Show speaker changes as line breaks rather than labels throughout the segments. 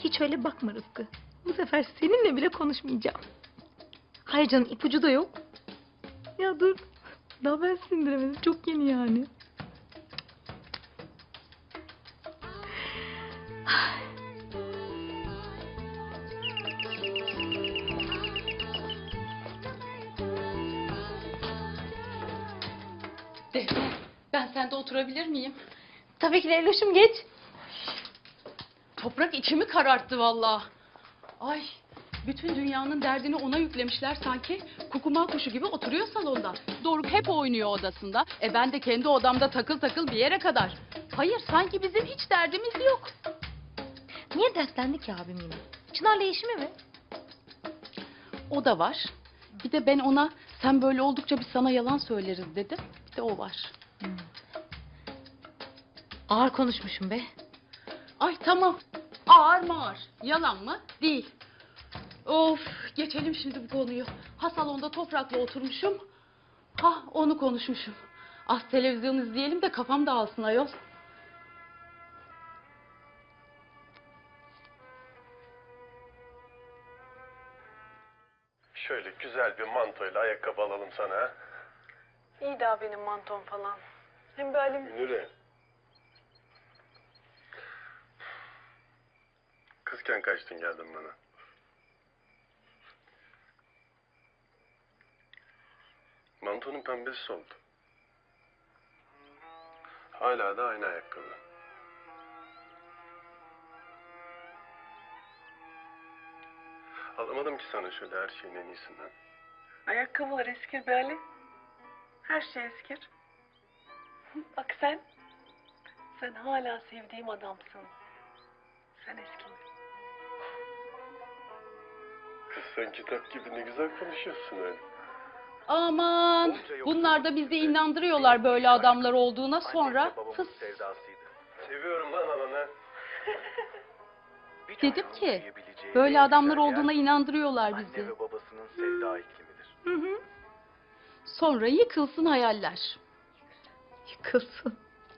hiç öyle bakma Rıfkı. Bu sefer seninle bile konuşmayacağım. Hayır canım, ipucu da yok. Ya dur. Daha ben sindiremedim. Çok yeni yani.
Defne, ben sende oturabilir miyim?
Tabii ki Leyloş'um, geç.
Toprak içimi kararttı vallahi. Ay, bütün dünyanın derdini ona yüklemişler sanki. Kukuma kuşu gibi oturuyor salonda. Doruk hep oynuyor odasında. Ben de kendi odamda takıl takıl bir yere kadar. Hayır, sanki bizim hiç derdimiz yok.
Niye derslendi ki abim yine? Çınar'la işi mi?
O da var. Bir de ben ona sen böyle oldukça biz sana yalan söyleriz dedim. Bir de o var.
Ağır konuşmuşum be.
Ay tamam. Ağır mı ağır? Yalan mı? Değil. Of, geçelim şimdi bu konuyu. Ha salonda Toprak'la oturmuşum. Ha onu konuşmuşum. Az televizyon izleyelim de kafam dağılsın ayol.
Şöyle güzel bir mantoyla ayakkabı alalım sana. Ha?
İyi daha benim mantom falan. Hem böyle
Münire. Kızken kaçtın geldin bana. Mantonun pembesi soldu. Hala da aynı ayakkabı. Alamadım ki sana şöyle her şeyin en iyisinden.
ayakkabılar eskir be Ali. Her şey eskir. Bak sen. Sen hala sevdiğim adamsın. Sen eskime.
Kız sen kitap gibi ne güzel konuşuyorsun öyle.
Aman bunlar da bizi inandırıyorlar böyle adamlar olduğuna sonra fıs.
Seviyorum lan ananı.
Dedim ki böyle adamlar olduğuna inandırıyorlar bizi.
Anne ve babasının sevda iklimidir.
Hı hı. Sonra yıkılsın hayaller.
Yıkılsın.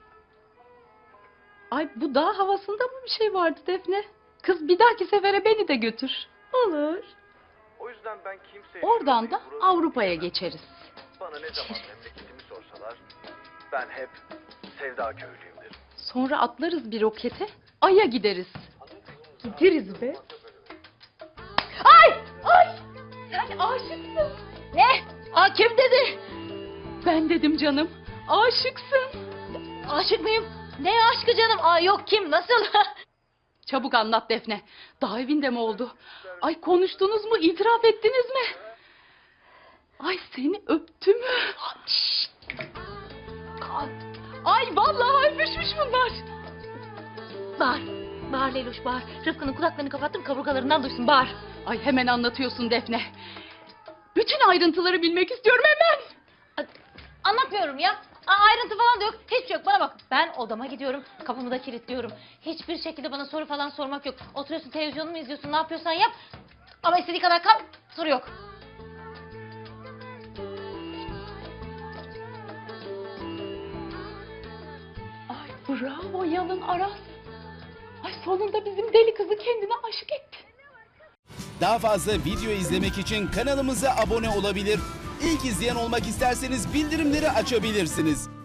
Ay bu dağ havasında mı bir şey vardı Defne? Kız bir dahaki sefere beni de götür.
Olur.
O yüzden ben kimseye...
Oradan da
şurayı, burayı
Avrupa'ya
diyemem.
geçeriz.
Bana ne zaman memleketimi sorsalar ben hep sevda köylüyüm derim.
Sonra atlarız bir rokete, Ay'a gideriz.
Gideriz be.
Ay! Ay! Sen aşıksın.
Ne? Aa, kim dedi?
Ben dedim canım. Aşıksın.
Aşık mıyım? Ne aşkı canım? Aa, yok, kim? Nasıl?
Çabuk anlat Defne. Daha evinde mi oldu? Ay konuştunuz mu? İtiraf ettiniz mi? Ay seni öptü mü? Ay vallahi öpüşmüş bunlar.
Bağır. Bağır Leyloş, bağır. Rıfkı'nın kulaklarını kapattım, kaburgalarından duysun, bağır.
Ay hemen anlatıyorsun Defne. Bütün ayrıntıları bilmek istiyorum hemen.
Anlatmıyorum ya. Ayrıntı falan da yok. Hiçbir şey yok. Bana bak. Ben odama gidiyorum. Kapımı da kilitliyorum. Hiçbir şekilde bana soru falan sormak yok. Oturuyorsun, televizyonu mu izliyorsun, ne yapıyorsan yap. Ama istediği kadar kal. Soru yok.
Ay bravo Yalın Aras. Ay sonunda bizim deli kızı kendine aşık etti.
Daha fazla video izlemek için kanalımıza abone olabilir. İlk izleyen olmak isterseniz bildirimleri açabilirsiniz.